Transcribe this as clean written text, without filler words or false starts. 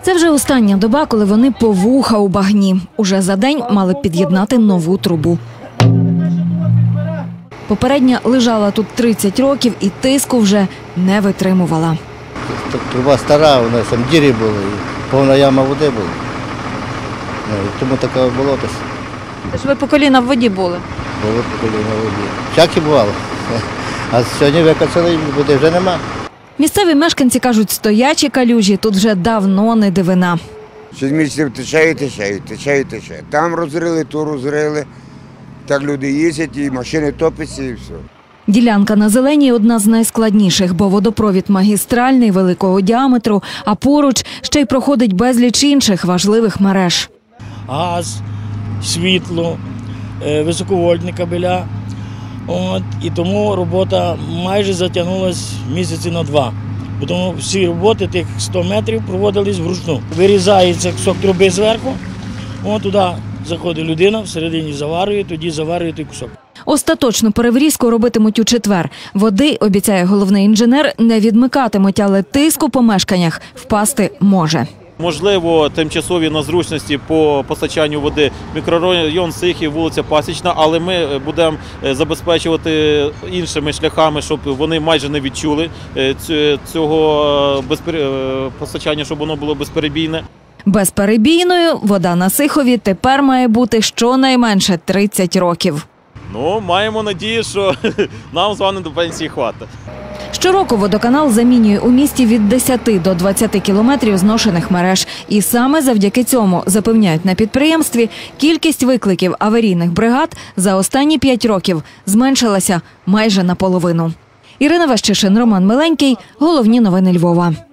Це вже остання доба, коли вони по вуха у багні. Уже за день мали під'єднати нову трубу. Попередня лежала тут 30 років і тиску вже не витримувала. Труба стара, у нас там дірі були, повна яма води була. Тому таке болото. Тож ви по коліна в воді були? Було по коліна в воді. Всяке бувало. А сьогодні викачали, води вже нема. Місцеві мешканці кажуть, стоячі калюжі тут вже давно не дивина. 6 місяців тече і тече, тече і тече. Там розрили, то розрили. Так люди їздять, і машини топляться, і все. Ділянка на Зеленій – одна з найскладніших, бо водопровід магістральний, великого діаметру, а поруч ще й проходить безліч інших важливих мереж. Газ, світло, високовольтні кабеля. І тому робота майже затягнулася місяці на 2. Тому всі роботи, тих 100 метрів, проводились вручну. Вирізається кусок труби зверху, туди заходить людина, всередині заварює, тоді заварює той кусок. Остаточну переврізку робитимуть у четвер. Води, обіцяє головний інженер, не відмикатимуть, але тиск у помешканнях впасти може. Можливо, тимчасові незручності по постачанню води, мікрорайон Сихів, вулиця Пасічна, але ми будемо забезпечувати іншими шляхами, щоб вони майже не відчули цього постачання, щоб воно було безперебійне. Безперебійною вода на Сихові тепер має бути щонайменше 30 років. Маємо надію, що нам з вами до пенсії хватить. Щороку водоканал замінює у місті від 10 до 20 кілометрів зношених мереж. І саме завдяки цьому, запевняють на підприємстві, кількість викликів аварійних бригад за останні 5 років зменшилася майже наполовину. Ірина Вещишин, Роман Миленький. Головні новини Львова.